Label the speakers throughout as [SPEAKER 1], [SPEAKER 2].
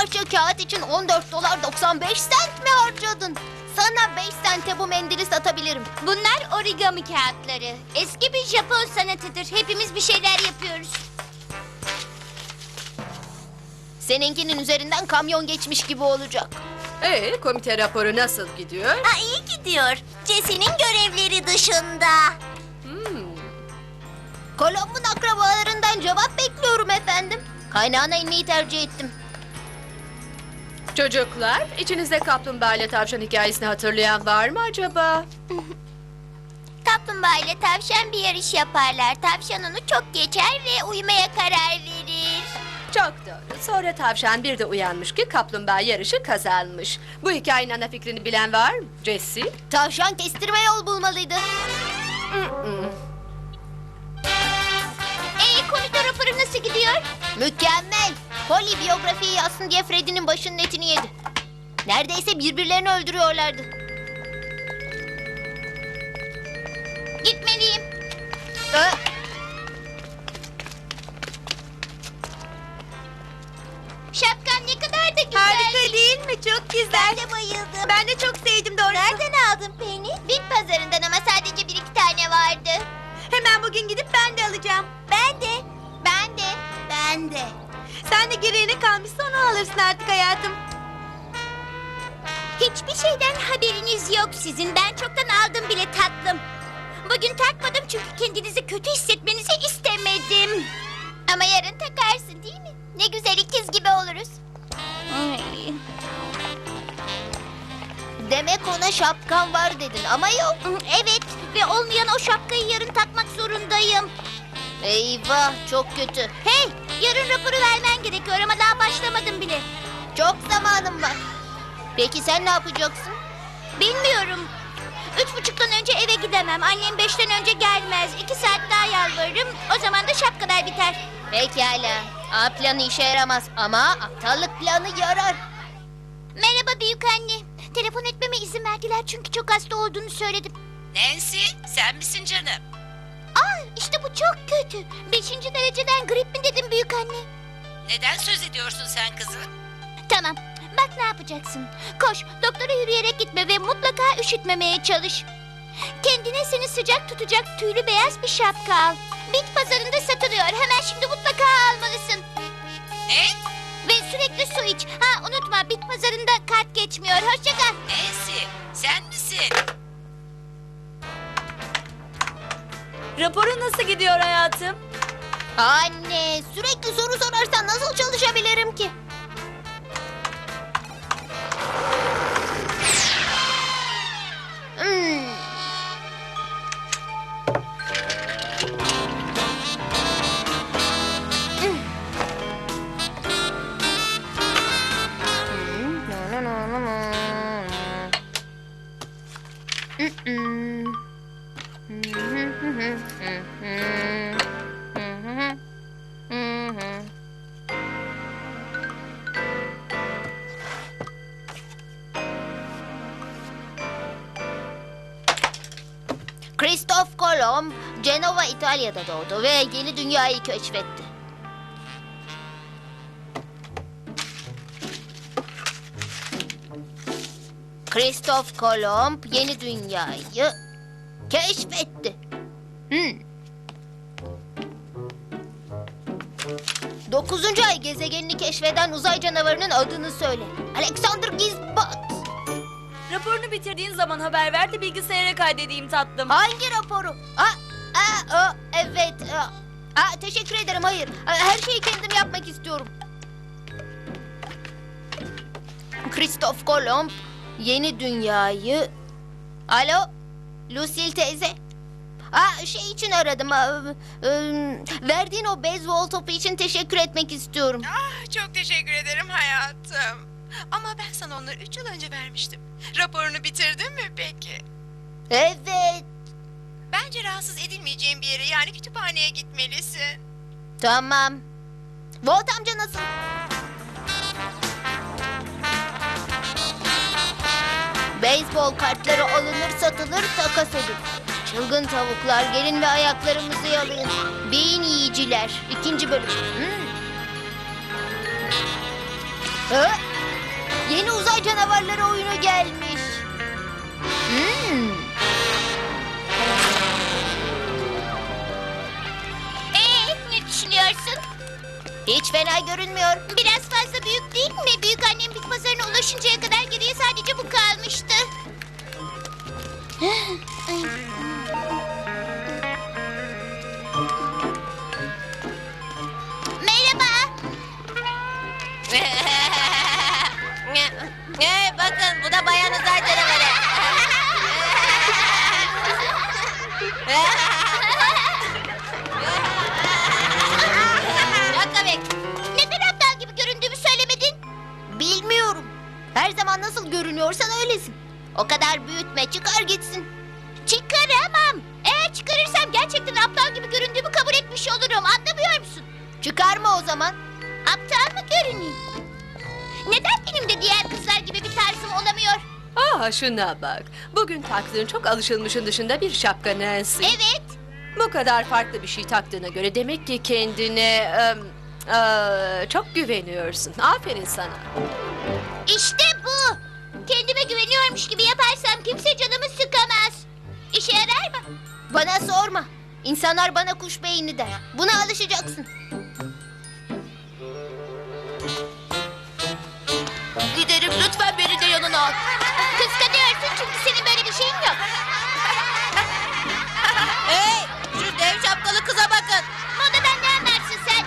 [SPEAKER 1] parça kağıt için 14 dolar 95 sent mi harcadın? Sana 5 sente bu mendili satabilirim.
[SPEAKER 2] Bunlar origami kağıtları. Eski bir Japon sanatıdır. Hepimiz bir şeyler yapıyoruz.
[SPEAKER 1] Seninkinin üzerinden kamyon geçmiş gibi olacak.
[SPEAKER 3] Komite raporu nasıl gidiyor?
[SPEAKER 2] İyi gidiyor. Jesse'nin görevleri dışında.
[SPEAKER 1] Kolomb'un akrabalarından cevap bekliyorum efendim. Kaynağına inmeyi tercih ettim.
[SPEAKER 3] Çocuklar, içinizde kaplumbağa ile tavşan hikayesini hatırlayan var mı acaba?
[SPEAKER 2] Kaplumbağa ile tavşan bir yarış yaparlar. Tavşan onu çok geçer ve uyumaya karar verir.
[SPEAKER 3] Çok doğru. Sonra tavşan bir de uyanmış ki kaplumbağa yarışı kazanmış. Bu hikayenin ana fikrini bilen var mı? Jesse?
[SPEAKER 1] Tavşan kestirme yol bulmalıydı.
[SPEAKER 2] Komite raporu nasıl gidiyor?
[SPEAKER 1] Mükemmel. Polly biyografiyi yazsın diye Freddy'nin başının etini yedi. Neredeyse birbirlerini öldürüyorlardı.
[SPEAKER 2] Gitmeliyim. Şapkan ne kadar da güzel.
[SPEAKER 4] Harika değil mi? Çok güzel.
[SPEAKER 2] Ben de bayıldım.
[SPEAKER 4] Ben de çok sevdim doğrusu.
[SPEAKER 2] Nereden aldın Penny? Bit pazarından ama sadece bir iki tane vardı.
[SPEAKER 4] Hemen bugün gidip ben de alacağım.
[SPEAKER 2] Ben de. Ben de. Ben de.
[SPEAKER 4] Sen de gereğine kalmışsa onu alırsın artık hayatım.
[SPEAKER 2] Hiçbir şeyden haberiniz yok sizin. Ben çoktan aldım bile tatlım. Bugün takmadım çünkü kendinizi kötü hissetmenizi istemedim. Ama yarın takarsın değil mi? Ne güzel ikiz gibi oluruz.
[SPEAKER 1] Demek ona şapkan var dedin ama yok.
[SPEAKER 2] Evet ve olmayan o şapkayı yarın takmak zorundayım.
[SPEAKER 1] Eyvah, çok kötü.
[SPEAKER 2] Hey, yarın raporu vermen gerekiyor ama daha başlamadım bile.
[SPEAKER 1] Çok zamanım var. Peki sen ne yapacaksın?
[SPEAKER 2] Bilmiyorum. 3:30'dan önce eve gidemem. Annem 5'ten önce gelmez. 2 saat daha yalvarırım. O zaman da şapkalar biter.
[SPEAKER 1] Pekala. A planı işe yaramaz ama aptallık planı yarar.
[SPEAKER 2] Merhaba büyük anne. Telefon etmeme izin verdiler çünkü çok hasta olduğunu söyledim.
[SPEAKER 5] Nancy, sen misin canım?
[SPEAKER 2] İşte bu çok kötü. 5. dereceden grip mi dedim büyük anne?
[SPEAKER 5] Neden söz ediyorsun sen kızım?
[SPEAKER 2] Tamam. Bak ne yapacaksın. Koş, doktora yürüyerek gitme ve mutlaka üşütmemeye çalış. Kendine seni sıcak tutacak tüylü beyaz bir şapka al. Bit pazarında satılıyor. Hemen şimdi mutlaka almalısın.
[SPEAKER 5] Ne?
[SPEAKER 2] Ve sürekli su iç. Unutma bit pazarında kart geçmiyor. Hoşça kal.
[SPEAKER 5] Nancy, sen misin?
[SPEAKER 4] Raporun nasıl gidiyor hayatım?
[SPEAKER 1] Anne, sürekli soru sorarsan nasıl çalışabilirim ki? Christoph Kolomb, Cenova, İtalya'da doğdu ve yeni dünyayı keşfetti. Christoph Kolomb yeni dünyayı keşfetti. 9. ay gezegenini keşfeden uzay canavarının adını söyle. Alexander Gizbot.
[SPEAKER 4] Raporunu bitirdiğin zaman haber ver de bilgisayara kaydedeyim tatlım.
[SPEAKER 1] Hangi raporu? Evet. Teşekkür ederim. Hayır. Her şeyi kendim yapmak istiyorum. Christoph Kolomb yeni dünyayı... Alo? Lucille teyze. Şey için aradım. Verdiğin o beyzbol topu için teşekkür etmek istiyorum.
[SPEAKER 6] Çok teşekkür ederim hayatım. Ama ben sana onları 3 yıl önce vermiştim. Raporunu bitirdin mi peki?
[SPEAKER 1] Evet.
[SPEAKER 6] Bence rahatsız edilmeyeceğin bir yere yani kütüphaneye gitmelisin.
[SPEAKER 1] Tamam. Volt amca nasıl? Beyzbol kartları alınır satılır takas edilir. Çılgın tavuklar gelin ve ayaklarımızı yalayın. Beyin yiyiciler. 2. bölüm. Ha? Yeni uzay canavarları oyunu gelmiş.
[SPEAKER 2] Ne düşünüyorsun?
[SPEAKER 1] Hiç fena görünmüyor.
[SPEAKER 2] Biraz fazla büyük değil mi? Büyük annem bit pazarına ulaşıncaya kadar geriye sadece bu kalmıştı. Merhaba.
[SPEAKER 5] Bakın bu da bayan uzay canavarı. Çok komik.
[SPEAKER 2] Neden aptal gibi göründüğümü söylemedin?
[SPEAKER 1] Bilmiyorum. Her zaman nasıl görünüyorsan öylesin. O kadar büyütme, çıkar gitsin.
[SPEAKER 2] Çıkaramam. Eğer çıkarırsam gerçekten aptal gibi göründüğümü kabul etmiş olurum. Anlamıyor musun?
[SPEAKER 1] Çıkarma o zaman.
[SPEAKER 2] Aptal mı görüneyim? Neden benim de diğer kızlar gibi bir tarzım olamıyor?
[SPEAKER 3] Şuna bak. Bugün taktığın çok alışılmışın dışında bir şapka Nancy.
[SPEAKER 2] Evet.
[SPEAKER 3] Bu kadar farklı bir şey taktığına göre demek ki kendine çok güveniyorsun. Aferin sana.
[SPEAKER 2] İşte bu. Kendime güveniyormuş gibi yaparsam kimse canımı sıkamaz. İşe yarar mı?
[SPEAKER 1] Bana sorma. İnsanlar bana kuş beyni der. Buna alışacaksın.
[SPEAKER 2] Giderim, lütfen beni de yanına al. Kıskanıyorsun çünkü senin böyle bir şeyin yok.
[SPEAKER 5] Hey, şu dev şapkalı kıza bakın.
[SPEAKER 2] Modadan ne anlarsın sen?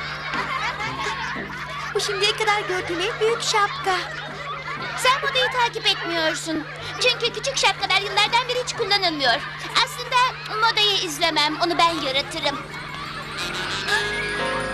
[SPEAKER 1] Bu şimdiye kadar gördüğüm en büyük şapka.
[SPEAKER 2] Sen modayı takip etmiyorsun. Çünkü küçük şapkalar yıllardan beri hiç kullanılmıyor. Aslında modayı izlemem, onu ben yaratırım.